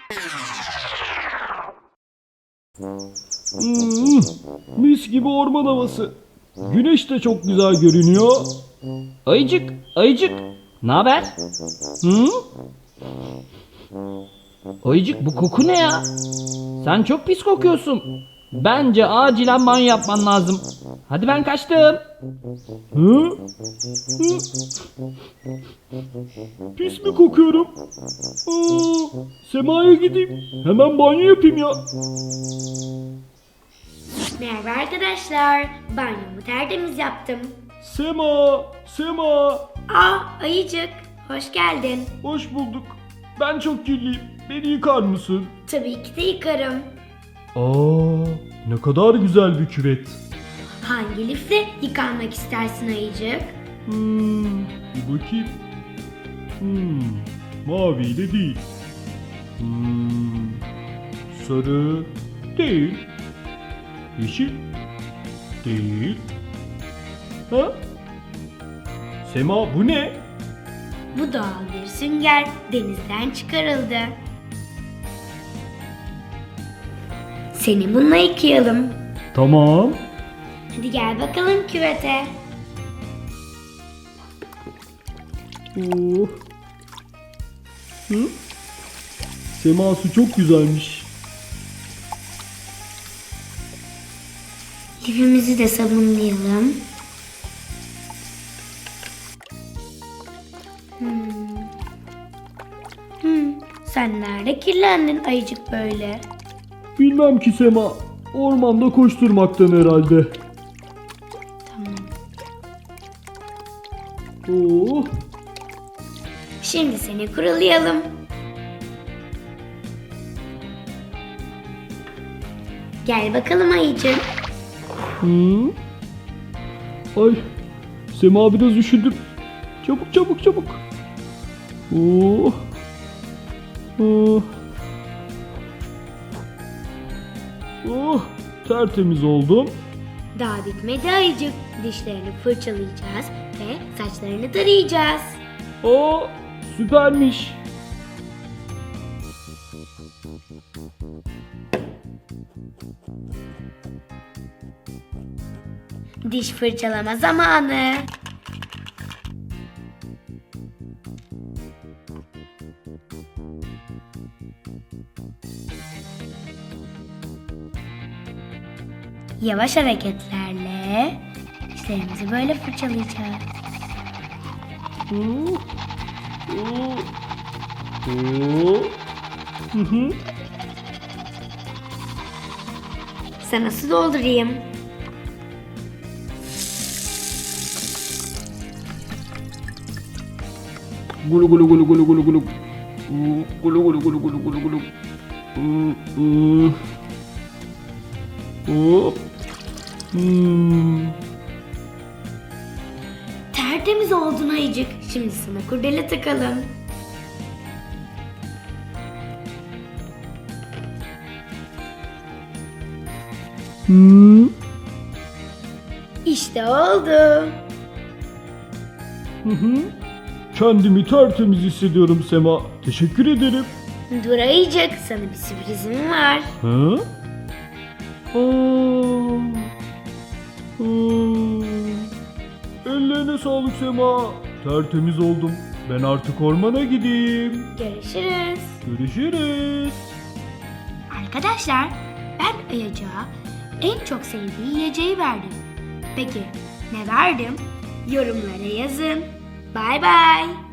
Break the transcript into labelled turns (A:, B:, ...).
A: Mis gibi orman havası. Güneş de çok güzel görünüyor.
B: Ayıcık, ayıcık. Ne haber? Hı? Ayıcık, bu koku ne ya? Sen çok pis kokuyorsun. Bence acilen banyo yapman lazım. Hadi ben kaçtım.
A: Hı? Hı? Pis mi kokuyorum? Sema'ya gideyim. Hemen banyo yapayım ya.
C: Merhaba arkadaşlar. Banyomu tertemiz yaptım.
A: Sema, Sema.
C: Ayıcık. Hoş geldin.
A: Hoş bulduk. Ben çok kirliyim. Beni yıkar mısın?
C: Tabii ki de yıkarım.
A: Ne kadar güzel bir küvet.
C: Hangi lifle yıkanmak istersin Ayıcık?
A: Bir bakayım. Maviyle değil. Sarı değil. Yeşil değil. Ha? Sema, bu ne?
C: Bu doğal bir sünger. Denizden çıkarıldı. Seni bununla yıkayalım.
A: Tamam.
C: Hadi gel bakalım küvete.
A: Oh. Hı? Sema, su çok güzelmiş.
C: Lifimizi de sabunlayalım. Sen nerede kirlendin Ayıcık böyle?
A: Bilmem ki Sema. Ormanda koşturmaktan herhalde.
C: Tamam.
A: Oh.
C: Şimdi seni kurulayalım. Gel bakalım Ayıcık.
A: Ay. Sema, biraz üşüdüm. Çabuk çabuk çabuk. Oh. Oh. Oh. Tertemiz oldum.
C: Daha bitmedi Ayıcık. Dişlerini fırçalayacağız ve saçlarını tarayacağız.
A: Süpermiş.
C: Diş fırçalama zamanı. Yavaş hareketlerle dişlerimizi böyle fırçalayacağız.
A: Oh. Oh. Oh. Hı hı.
C: Sana su doldurayım.
A: Gulu gulu gulu gulu gulu gulu. Gulu gulu gulu gulu gulu gulu. Hop.
C: Tertemiz oldun Ayıcık. Şimdi sana kurdele takalım. İşte oldu.
A: Kendimi tertemiz hissediyorum Sema. Teşekkür ederim.
C: Dur Ayıcık, sana bir sürprizim var.
A: Ha? Ellerine sağlık Sema. Tertemiz oldum. Ben artık ormana gideyim.
C: Görüşürüz.
A: Görüşürüz.
C: Arkadaşlar, ben Ayıcık'a en çok sevdiği yiyeceği verdim. Peki ne verdim? Yorumlara yazın. Bay bay.